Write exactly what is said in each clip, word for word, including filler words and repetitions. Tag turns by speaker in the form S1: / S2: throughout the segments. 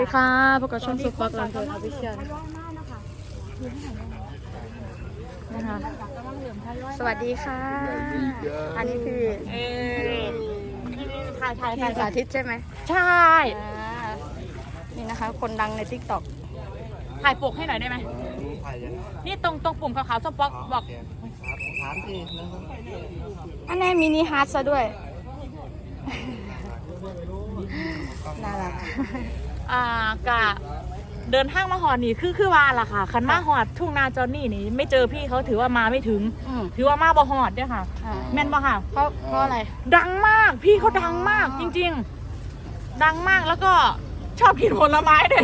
S1: สวัสดีค่ะพบกับช่องสุดปักลำเพลินออฟฟิเชียลนะคะสวัสดีค่ะอันนี้คือถ่ายถ่ายถ่ายสาธิตใช่ไหมใช่นี่นะคะคนดังในทิกตอกถ่ายปกให้หน่อยได้ไหมนี่ตรงตรงปุ่มขาวๆสป็อกบอกถามสิอันนี้มินิฮาร์ดซะด้วยน่ารักอ่ากะเดินทางมาหอดนี่คือคือว่าล่ะค่ะคันมาหอดทุ่งนาจอนนี่นี่ไม่เจอพี่เขาถือว่ามาไม่ถึงถือว่ามาบ่หอดเนี่ยค่ะแม่นบ่ค่ะเพราะเพราะอะไรดังมากพี่เขาดังมากจริงๆดังมากแล้วก็ชอบกินผลไม้ด้วย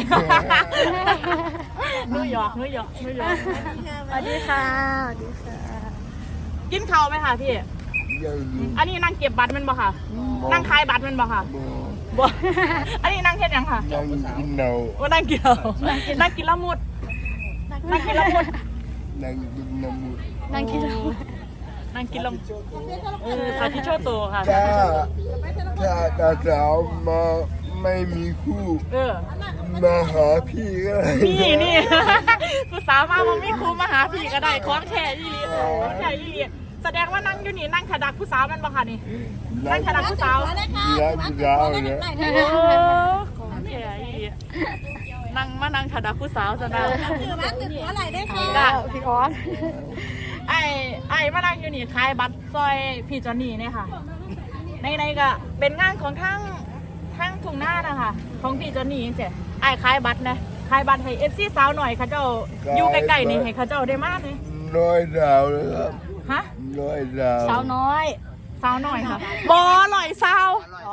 S1: นุ้ยหยอกนุ้ยหยอกนุ้ยหยอกสวัสดีค่ะสวัสดีค่ะกินข้าวไหมคะพี่อันนี้นั่งเก็บบัตรมันบ่ค่ะนั่งขายบัตรมันบ่ค่ะบ่อันนี้นั่งเฮ็ดยังค่ะนั่งกินเนาว่านั่งกินเนานั่งกินละมุดนั่งกินละมุดนั่งกินละมุดนั่งกินละมุดนั่งกินละมุดเออสาธิตโชว์ตัวค่ะถ้า
S2: ถ้าตาสาวมาไม่มีคู่เออมาหาพี่ก็ได้
S1: นี่นี่ผู้สาวมาบ่มีคู่มาหาพี่ก็ได้ของแท้อีหลีของแท้อีหลีแสดงว่านั่งอยู่นี่นั่งขดักผู้สาวมันบ่ค่ะนี่นั่งขดักผู้สาว
S2: นั่งผู้สาวเนี่ย
S1: ของแท้อีหลีนั่งมานั่งขดักผู้สาวซะนะ
S3: ถือว่าตึกหัวไหลได้ค่ะ
S1: พี่คอนไอ้ไอ้มานั่งอยู่นี่ขายบัตรซอยพี่จอนนี่เนี่ยค่ะในในก็เป็นงานของทั้งทั้งทุ่งหน้านะคะของพี่จอนนี่เสียไอ้ขายบัตรนะขายบัตรให้เอฟซีสาวหน่อยเขาเจ้าอยู่ใกล้ๆนี่ให้เขาเจ้าได้มากเลย
S2: น้อยดาวเลยครับ
S1: ฮะ
S2: น้อยดาว
S1: สาวน้อยสาวหน่อยค่ะบอลอยสาว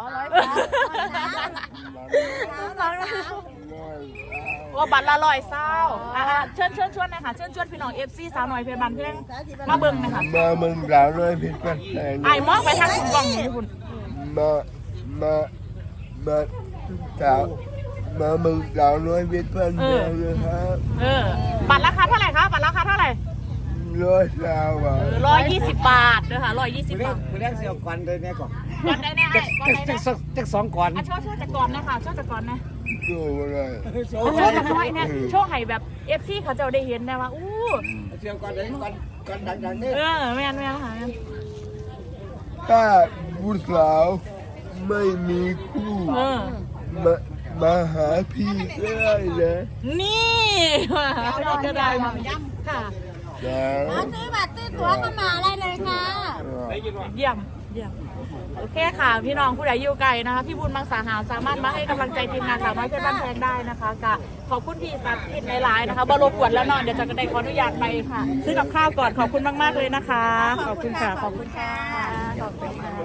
S1: ว่าบัตรละลอยสาวเชิญเชิญชวนนะคะเชิญชวนพี่น้องเอฟซีสาวหน่อยเพื่อนบ้านเพื่อนมาเบิ้งนะคะ
S2: มาเบิ้งสาวน้อยเพื่อนบ้าน
S1: ไอ้มองไปทางคุณกองนี่คุณ
S2: มามามาสาวมาเบิ้งสาวน้อยเพื่อนบ้านเลยครับ
S1: เออบัตรราคาเท่าไหร่คะบัตรราคาเท่าไหร่
S2: ร้อยสาวบาท
S1: ร้อยยี่สิบบาทเลยค่ะร้อยยี่สิบบาท
S4: คุณเรียกเสี่ยวก่อนเลยเนี่ยก่อน
S1: ก่อนได้แน่ก่อนได้แน่
S4: จักสองก่อน
S1: ช่วยช่วยจากก่อนนะคะช่วยจากก่อนนะ
S2: โชว์อะไร
S1: ช่วยจากน้อยเนี่ยโชว์ให้แบบเอฟซีเขาจะได้เห็นนะว่าอู้
S4: เสี่ยวก่อนเลยก่อนก่อนดังๆนี่
S1: เออแม่นแม่นค่ะ
S2: ถ้าผู้สาวไม่มีคู่มามาหาพี่ก็ได้นะ
S1: นี่มาหาพี่ก็ได้ค่ะ
S3: มาซื้อบัตรซื้อตั๋วเข้ามาได้เลยค่ะ
S1: เยี่ยมเยี่ยมโอเคค่ะพี่น้องผู้ใดอยู่ไกลนะคะพี่บุญมังสาหารสามารถมาให้กำลังใจทีมงานสาวน้อยเพชรบ้านแพงได้นะคะกะขอบคุณพี่สัตว์อินหลายๆนะคะบรบกวนแล้วนอนเดี๋ยวจะกระไดขออนุญาตไปค่ะซื้อกับข้าวก่อนขอบคุณมากๆเลยนะคะขอบคุณค่ะขอบคุณค่ะขอบคุณค่ะ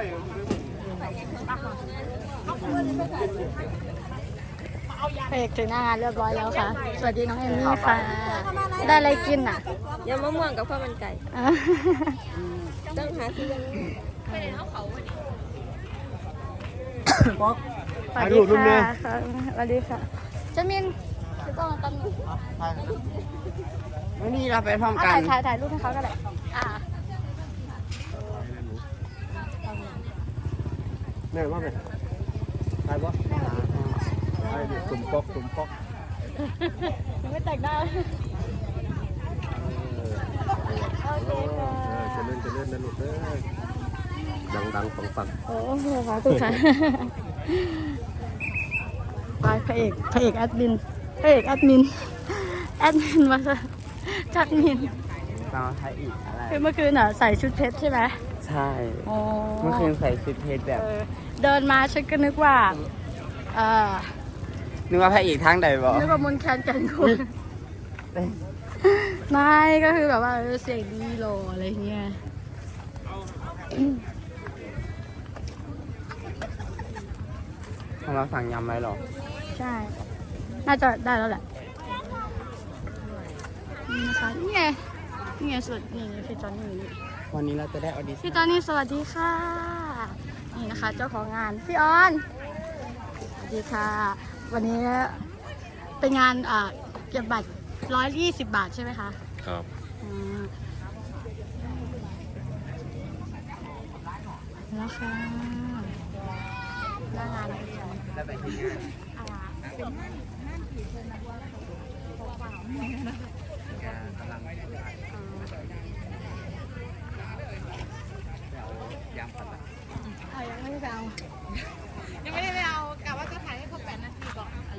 S1: เพลงถึงหน้างานเรียบร้อยแล้วค่ะสวัสดีน้องเอมมี่ค่ะได้อะไรกินอ่ะ
S3: ยำมะม่วงกับข้าวมันไก่ต้องหาซื้อยังไปในเท้าเขาวันนี้
S1: สวัสดีค่ะสวัสดีค่ะเจมินจะต้องมาตั้ง
S4: วันนี้เราไปพร้อมกัน
S1: ถ่ายถ่ายถ่ายรูปให้เขาก็ได้อ่า
S4: เนี่ยว่าไงถ่ายปะถ่ายดิตุ่มป๊อกตุ่มป๊อก
S1: ยังไม่แต่งหน้าโอเคค่ะ
S4: จะเล่นจะเล่นนะลูกเด้อดังดังฟังฟัง
S1: โอ้โหขอบคุณค่ะไปพระเอกพระเอกแอดมินพระเอกแอดมินแอดมินมาจัดมิน
S4: ตอนถ่ายอีกอะไร
S1: คือเมื่อคืนอ่ะใส่ชุดเพชรใช่ไหม
S4: ใช่เมื่อคืนใส่ชุดเพชรแบบ
S1: เดินมาฉันก็นึกว่าเออ
S4: นึกว่าพระเอกทางใดบ่
S1: นึกว่ามนแคนกันคุณไม่ก็คือแบบว่าเสียงดีโลอะไรเงี้ย
S4: ทำมาสั่งยำไว้หรอ
S1: ใช่น่าจะได้แล้วแหละนี่นะคะนี่ไงนี่ไงสุดนี่พี่จอนนี่
S4: วันนี้เราจะได้ออดิชั่น
S1: พี่จอนนี่สวัสดีค่ะนี่นะคะเจ้าของงานพี่ออนสวัสดีค่ะวันนี้เป็นงานอ่าเก็บบัตรร้อยยี่สิบบาทใช่ไหมคะ
S5: ครับ
S1: แล้วค่ะหน้างานอะไรเป็นงานงานที่เพิ่นนะว่าเขาเปล่าๆเนี่ยนะ
S4: กำลังไปเอายางพันละ
S3: เอายังไม่ได้เอา
S1: ยังไม่ได้ไปเอากะว่าจะถ่ายให้ครบแปดนาทีก่อนอะไร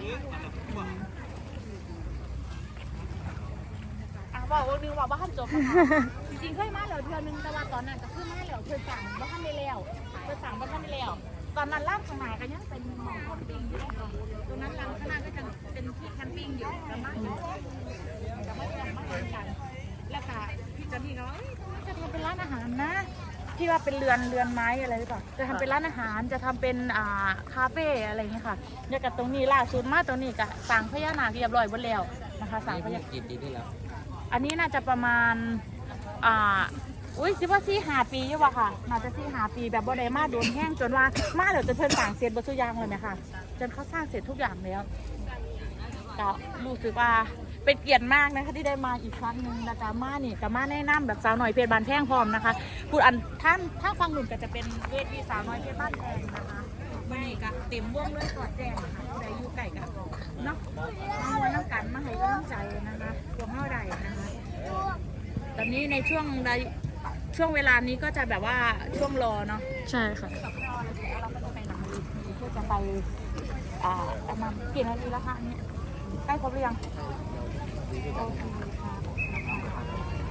S1: อ่ะบอกว่านึงว่าบ้านจบจริงๆเคยมาแล้วเทื่อนึงแต่ว่าตอนนั้นก็คือมาแล้วเธอสั่งบ้านได้แล้วเธอสั่งบ้านได้แล้วตอนนั้นร้านข้างในก็ยังเป็นหมองแคมปิ้งอยู่นะคะตรงนั้นร้านข้างหน้าก็จะเป็นที่แคมปิ้งอยู่กับมาอยู่กับมาอยู่มาอยู่กันแล้วค่ะพี่จันนี่ก็ว่าจะทำเป็นร้านอาหารนะที่ว่าเป็นเรือนเรือนไม้อะไรหรือเปล่าจะทำเป็นร้านอาหารจะทำเป็นอ่าคาเฟ่อะไรอย่างเงี้ยค่ะเนี่ยกับตรงนี้ล่าสุดมาตรงนี้ก็สั่งพญานาคเรียบร้อยหมดแล้วนะคะสั่งพญา
S4: กี่ปีที่แล้ว
S1: อันนี้น่าจะประมาณอ่าอุ้ยคิดว่าสี่หาปีอยู่ว่ะค่ะน่าจะสี่หาปีแบบบ่ได้มาโดนแห้งจนว่ามาเดี๋ยวจะเพิ่นสั่งเสร็จบรรทุกยางเลยนะคะจนเขาสร้างเสร็จทุกอย่างแล้วก็รู้สึกว่าเป็นเกียรติมากนะคะที่ได้มาอีกครั้งหนึ่งแล้วก็มานี่ก็มาแนะนำแบบสาวหน่อยเพชรบ้านแพงพร้อมนะคะพูดอันท่านถ้าฟังหนุ่มก็จะเป็นเวทีสาวน้อยเพชรบ้านแพงนะคะวันนี้ก็เต็มวงด้วยสอดแจ้งนะคะผู้ใดอยู่ไก่กันเนาะมาวันน้ำกันมาให้กำลังใจนะคะพวกเฮาใดนะคะตอนนี้ในช่วงใดช่วงเวลานี้ก็จะแบบว่าช่วงรอเนาะ
S3: ใช่ค่ะ
S1: เราก็จะไปหลังเวทีเพื่อจะไปอ่าประมาณกี่นาทีแล้วคะเนี่ยใกล้ครบหรือยังโอเคค่ะ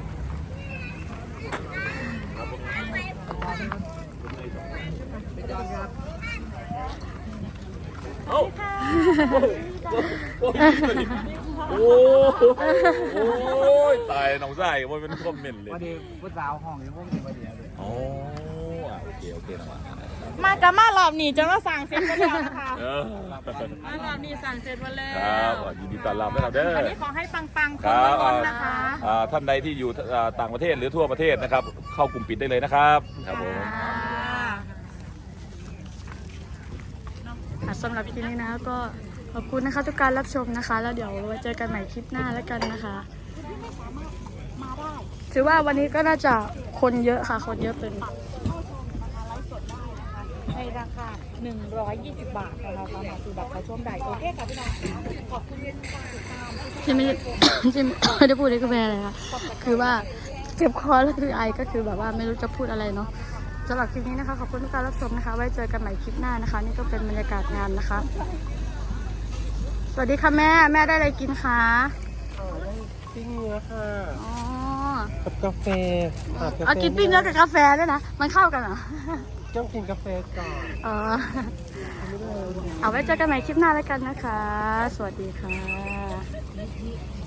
S1: โอ้ค่ะ
S5: โอ้โอ้ยตายน้องชายมันเป็นคอมเมนต์เลย
S4: พอดีผู้สาวห้องนี้พวกนี้พอดีเลย
S5: โอ้อ่ะโอเคโอเคนะมา
S1: มากับมารอบนี้จะมาสั่งเสร็จมาแล้วนะคะ
S5: เออ
S1: มารอบนี้สั่งเสร็จมาแล้
S5: ครั
S1: ว
S5: บยินดีต้อนรับนะครับเด้อ
S1: อันนี้ขอให้ปังๆ
S5: ค
S1: คน
S5: รับ
S1: ล้นๆนะคะ
S5: อ่าท่านใดที่อยู่อ่าต่างประเทศหรือทั่วประเทศนะครับ เข้ากลุ่มปิดได้เลยนะครับครับผม
S3: ค่ะสำหรับคลิปนี้นะคะก็ขอบคุณนะคะทุกการรับชมนะคะ แล้วเดี๋ยวไว้เจอกันใหม่คลิปหน้าแล้วกันนะคะ
S1: มาได้
S3: ถือว่าวันนี้ก็น่าจะคนเยอะค่ะคนเยอะเป็น
S1: เข้าชมนะคะไลฟ์สดได้นะคะในราคาหนึ่งร้อยยี่สิบบาทนะคะสามารถซื้อบัตรเข้าชมได้โอเคค่ะพี่น้องขอบคุณที่ติดตาม
S3: ที่ไม่ได้ ที่ไม่ได้พูดนี่ก็เป็นอะไรคะคือว่าเจ็บคอแล้วคือไอก็คือแบบว่าไม่รู้จะพูดอะไรเนาะสำหรับคลิปนี้นะคะขอบคุณทุกการรับชมนะคะ ไว้เจอกันใหม่คลิปหน้านะคะ นี่ก็เป็นบรรยากาศงานนะคะ สวัสดีค่ะแม่แม่ได้อะไรกินคะ
S4: ปิ้งเนื้อค่ะ
S3: อ๋อ
S4: กับกาแฟ
S3: เอากินปิ้งเนื้อกับกาแฟด้วยนะมันเข้ากันเหรอ
S4: ต้องกินกาแฟก่อน
S3: อ๋อเอาไว้เจอกันใหม่คลิปหน้าแล้วกันนะคะ สวัสดีค่ะ